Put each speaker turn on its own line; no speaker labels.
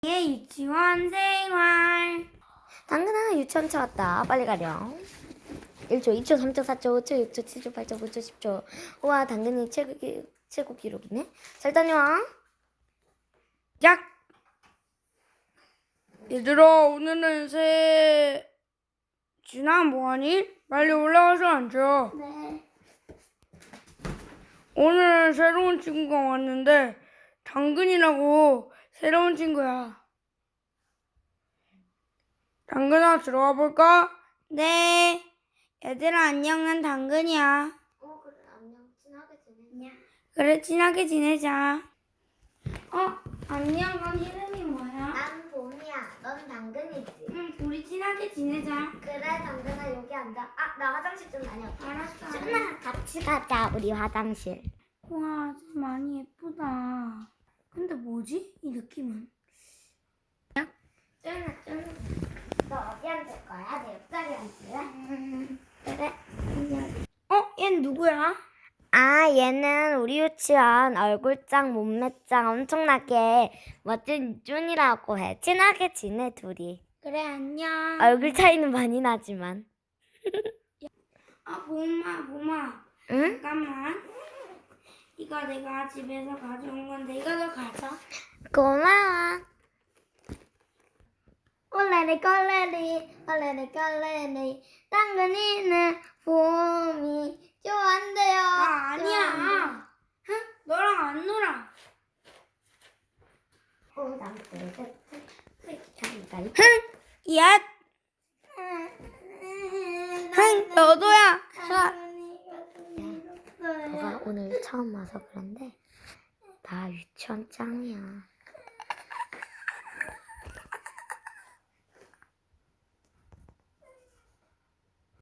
유치원 생활.
당근아 유치원 차 왔다. 빨리 가렴. 1초, 2초, 3초, 4초, 5초, 6초, 7초, 8초, 9초, 10초. 우와, 당근이 최고 기록이네. 잘 다녀와.
야! 얘들아, 오늘은 진아 뭐하니? 빨리 올라가서 앉아.
네.
오늘 새로운 친구가 왔는데 당근이라고 새로운 친구야. 당근아, 들어와 볼까? 네. 얘들아, 안녕. 난 당근이야.
그래, 안녕. 친하게 지내냐?
그래, 친하게 지내자. 안녕. 넌 이름이 뭐야?
난 봄이야. 넌 당근이지.
응, 우리 친하게 지내자.
그래, 당근아 여기 앉아. 나 화장실 좀 다녀올게.
알았어.
준아, 같이 가자. 우리 화장실.
와, 좀 많이 예쁘다. 근데 뭐지? 이 느낌은?
준아. 너 어디 앉을 거야? 내 옆자리 앉을래? 그래.
얘는 누구야?
얘는 우리 유치원 얼굴짱, 몸매짱 엄청나게 멋진 준이라고 해. 친하게 지내, 둘이.
그래, 안녕.
얼굴 차이는 많이 나지만.
봄아.
응?
잠깐만. 이거 내가 집에서 가져온 건데 이거 너 가져.
고마워. 꼴레리 당근이는 봄이 좋아한대요.
아니야. 너랑 안 놀아. 야, 너도야.
너가 오늘 처음 와서 그런데 나 유치원 짱이야.